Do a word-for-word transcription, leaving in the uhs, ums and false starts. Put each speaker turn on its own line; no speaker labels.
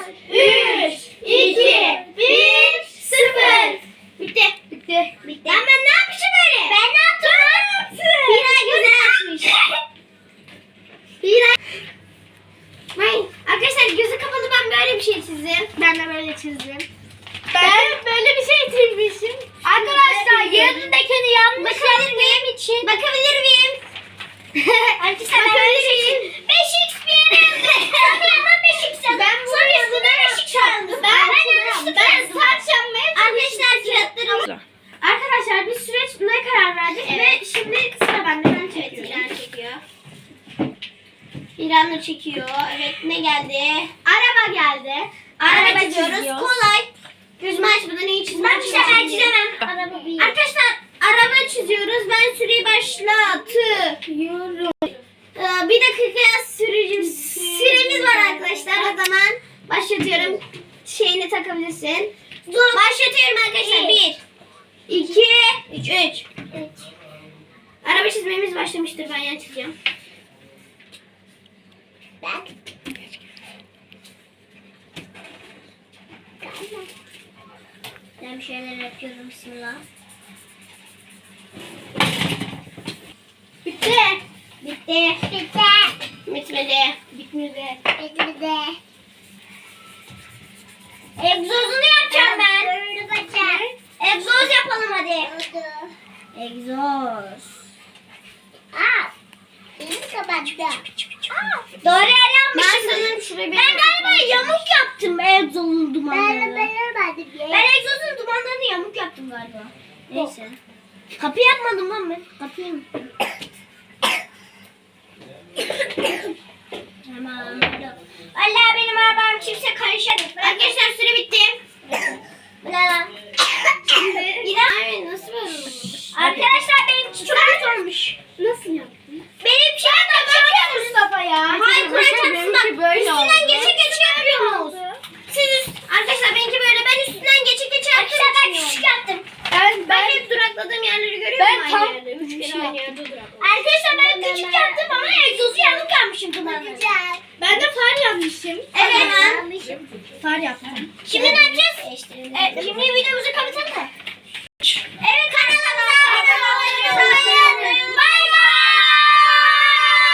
üç, iki, bir, sıfır. Bitti.
Bitti.
Bitti. Ben, ben ne yapmışım böyle? Ben ne yaptım? Hira güzel açmış. Hira. Hayır. Arkadaşlar gözü kapalı ben böyle bir şey çizdim.
Ben de böyle çizdim. Ben, ben böyle bir şey çizmişim. Arkadaşlar yanındakini yanlış yaptığım için.
Bakabilir miyim? Arkadaşlar bakabilir miyim? beş x bir yere yazdım. Hemen beş x yazdım.
Ben
Sonra üstüne beş x yazdım. Ben yanlışlıkla yazdım. Arkadaşlar kağıtlarım.
Arkadaşlar biz süreç ne karar verdik
Evet.
ve şimdi sıra bende. Ben
Evet,
çekiyorum.
İran çekiyor. İran'la çekiyor. Evet, ne geldi? Araba geldi. Araba,
Araba
çiziyoruz.
çiziyoruz.
Kolay. Gözümü açmadan iyi çizmem.
Ben bir sefer çizemem.
Araba bir. Arkadaşlar araba çiziyoruz. Ben süreyi başlatıyorum. Ee, bir dakika sürücü süremiz var arkadaşlar. O zaman başlatıyorum. Şeyini takabilirsin. Dur. Başlatıyorum arkadaşlar. Bir, iki, üç. Üç. Araba çizmemiz başlamıştır. Ben yan çizeceğim. Ben. Ben bir şeyler yapıyorum. Bismillah. Bitti. Bitti. Bitti. Bitmedi. Bitmedi. Bitmedi. Egzozunu yapacağım ben. Egzoz yapalım hadi. Egzoz. Aa. Benim kapattı. Doğru yer yapmışsın. Ben, ben galiba yamuk yaptım egzozun dumanlarını. Ben, ben, ben egzozun dumanlarını yamuk yaptım galiba. Neyse. Kapı yapmadım lan ben. Kapıyı mı? Tamam. Vallahi benim arabam kimse karışamıyor. Arkadaşlar süre bitti. Bu ne lan? Yine nasıl böyle olmuş? Arkadaşlar benimki çok kötü olmuş.
Nasıl yaptın?
Benim şey de böyle Mustafa ya. Hayır kuracak
benimki böyle
Üstünden
oldu.
geçe geçe yapıyorsunuz. Siz üst... Arkadaşlar benimki böyle ben üstünden geçe geçe yaptım. Arkadaşlar ben küçük yaptım.
Ben,
Ben hep durakladığım yerleri görüyor
Ben
musun?
tam
Aynı yerde. Üç
üç
kere aynı
yaptım.
yerde durakladım. Arkadaşlar ben küçük yaptım ama egzozu yamuk yapmışım kulağına.
ben de far yapmışım.
Evet.
Far yaptım.
Şimdi ne yapacağız? E, şimdi videomuzu kapatalım da.